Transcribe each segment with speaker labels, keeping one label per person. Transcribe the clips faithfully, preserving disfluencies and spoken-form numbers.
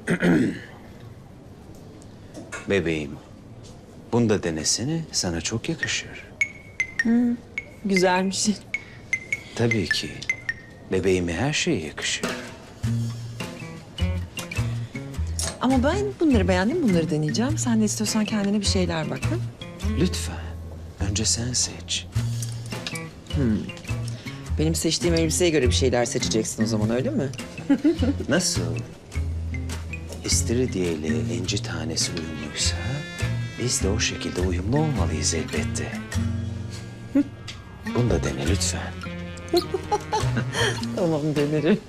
Speaker 1: Bebeğim, bunu da denesene. Sana çok yakışır.
Speaker 2: Güzelmiş.
Speaker 1: Tabii ki. Bebeğime her şey yakışır.
Speaker 2: Ama ben bunları beğendim, bunları deneyeceğim. Sen de istiyorsan kendine bir şeyler bak. Hı?
Speaker 1: Lütfen. Önce sen seç.
Speaker 2: Benim seçtiğim elbiseye göre bir şeyler seçeceksin o zaman, öyle mi?
Speaker 1: Nasıl? İstiridye ile inci tanesi uyumluysa... biz de o şekilde uyumlu olmalıyız elbette. Bunu da dene lütfen.
Speaker 2: Tamam, denerim.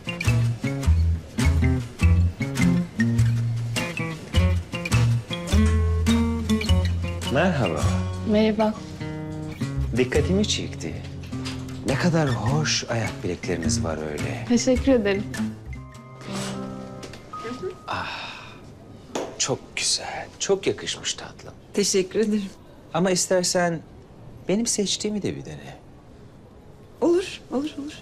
Speaker 1: Merhaba.
Speaker 3: Merhaba.
Speaker 1: Dikkatimi çekti. Ne kadar hoş ayak bilekleriniz var öyle.
Speaker 3: Teşekkür ederim.
Speaker 1: Çok güzel, çok yakışmış tatlım.
Speaker 2: Teşekkür ederim.
Speaker 1: Ama istersen benim seçtiğimi de bir dene.
Speaker 2: Olur, olur, olur.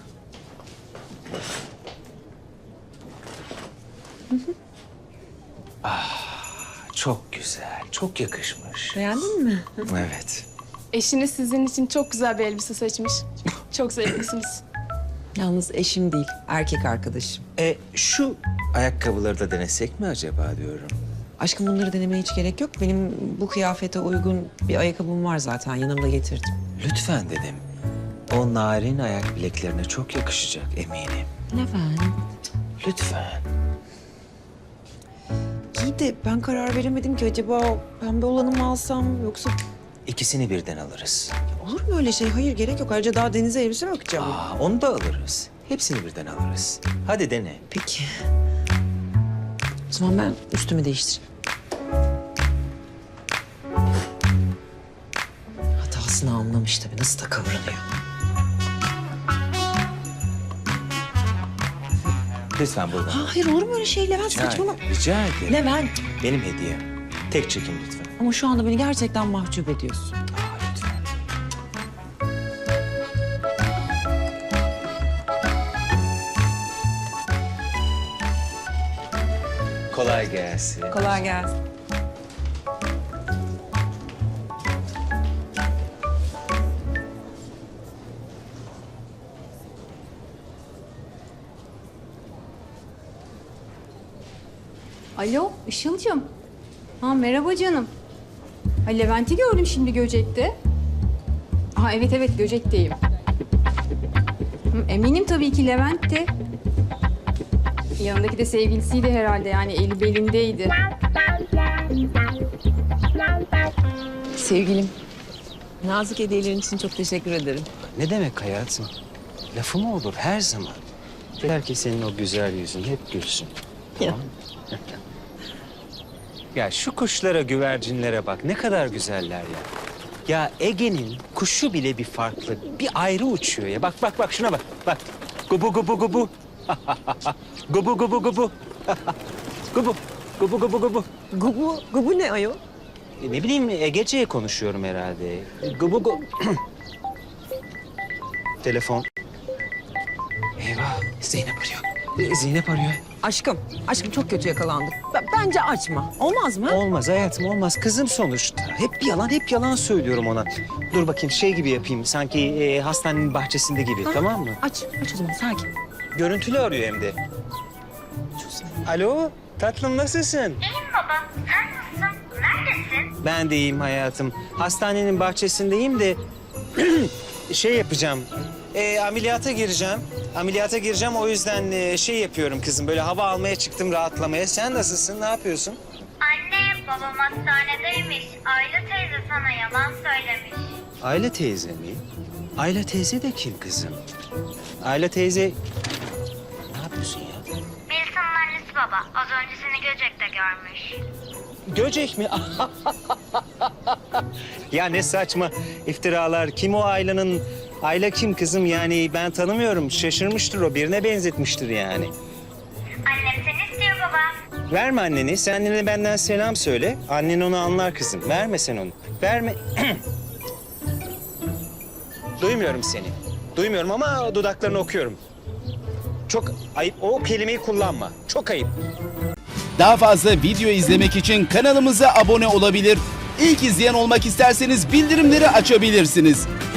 Speaker 1: Çok güzel, çok yakışmış.
Speaker 2: Beğendin mi?
Speaker 1: Evet.
Speaker 3: Eşiniz sizin için çok güzel bir elbise seçmiş. Çok zevklisiniz.
Speaker 2: Yalnız eşim değil, erkek arkadaşım.
Speaker 1: E şu ayakkabıları da denesek mi acaba diyorum.
Speaker 2: Aşkım, bunları denemeye hiç gerek yok. Benim bu kıyafete uygun bir ayakkabım var zaten. Yanımda getirdim.
Speaker 1: Lütfen dedim. O narin ayak bileklerine çok yakışacak eminim.
Speaker 2: Levent.
Speaker 1: Lütfen.
Speaker 2: İyi de ben karar veremedim ki. Acaba o pembe olanı mı alsam yoksa...
Speaker 1: İkisini birden alırız.
Speaker 2: Olur mu öyle şey? Hayır, gerek yok. Ayrıca daha denize elbise mi bakacağım?
Speaker 1: Aa, onu da alırız. Hepsini birden alırız. Hadi dene.
Speaker 2: Peki. O zaman ben üstümü değiştireyim. Hatasını anlamış tabii. Nasıl da kıvranıyor.
Speaker 1: Lütfen buradan.
Speaker 2: Ha, hayır, olur mu öyle şey Levent?
Speaker 1: Rica,
Speaker 2: Saçmalama.
Speaker 1: rica ederim.
Speaker 2: Levent.
Speaker 1: Benim hediyem. Tek çekim lütfen.
Speaker 2: Ama şu anda beni gerçekten mahcup ediyorsun.
Speaker 1: Aa, lütfen. Kolay gelsin.
Speaker 2: Kolay gelsin.
Speaker 4: Alo, Işıl'cığım. Ha, merhaba canım. Ha, Levent'i gördüm şimdi Göcek'te. Ha, evet evet, Göcek'teyim. Hı, eminim tabii ki Levent'ti. Yanındaki de sevgilisiydi herhalde, yani eli belindeydi.
Speaker 2: Sevgilim, nazik hediyelerin için çok teşekkür ederim.
Speaker 1: Ne demek hayatım? Lafı mı olur her zaman? Yeter ki senin o güzel yüzün hep gülsün. Tamam mı? Ya şu kuşlara, güvercinlere bak. Ne kadar güzeller ya. Ya Ege'nin kuşu bile bir farklı. Bir ayrı uçuyor ya. Bak bak bak şuna bak. Bak. Gubu gubu gubu. Gubu gubu gubu. Gubu. Gubu gubu gubu.
Speaker 2: Gubu, gubu ne ayol?
Speaker 1: E, Ne bileyim Egece'ye konuşuyorum herhalde. Gubu gu... Telefon. Eyvah. Zeynep arıyor. E, Zeynep arıyor.
Speaker 2: Aşkım, aşkım çok kötü yakalandık. B- bence açma. Olmaz mı?
Speaker 1: Olmaz hayatım olmaz. Kızım sonuçta. Hep bir yalan, hep yalan söylüyorum ona. Dur bakayım şey gibi yapayım. Sanki e, hastanenin bahçesinde gibi. Tamam mı?
Speaker 2: Aç, aç o zaman sakin.
Speaker 1: Görüntülü arıyor hem de. Alo, tatlım nasılsın?
Speaker 5: İyiyim baba. Sen nasılsın? Neredesin?
Speaker 1: Ben de iyiyim hayatım. Hastanenin bahçesindeyim de şey yapacağım. E, ameliyata gireceğim. Ameliyata gireceğim o yüzden e, şey yapıyorum kızım. Böyle hava almaya çıktım rahatlamaya. Sen nasılsın? Ne yapıyorsun?
Speaker 5: Anne, babam hastanedeymiş. Ayla teyze sana yalan söylemiş.
Speaker 1: Ayla teyze mi? Ayla teyze de kim kızım? Ayla teyze... Ne yapıyorsun ya?
Speaker 5: Wilson'ın annesi baba. Az önce seni Göcek'te görmüş.
Speaker 1: Göcek mi? Ya ne saçma iftiralar. Kim o Ayla'nın? Ayla kim kızım? Yani ben tanımıyorum. Şaşırmıştır o. Birine benzetmiştir yani.
Speaker 5: Annem seni istiyor baba.
Speaker 1: Verme anneni. Sen annene benden selam söyle. Annen onu anlar kızım. Verme sen onu. Verme. Duymuyorum seni. Duymuyorum ama dudaklarını okuyorum. Çok ayıp. O kelimeyi kullanma. Çok ayıp.
Speaker 6: Daha fazla video izlemek için kanalımıza abone olabilir. İlk izleyen olmak isterseniz bildirimleri açabilirsiniz.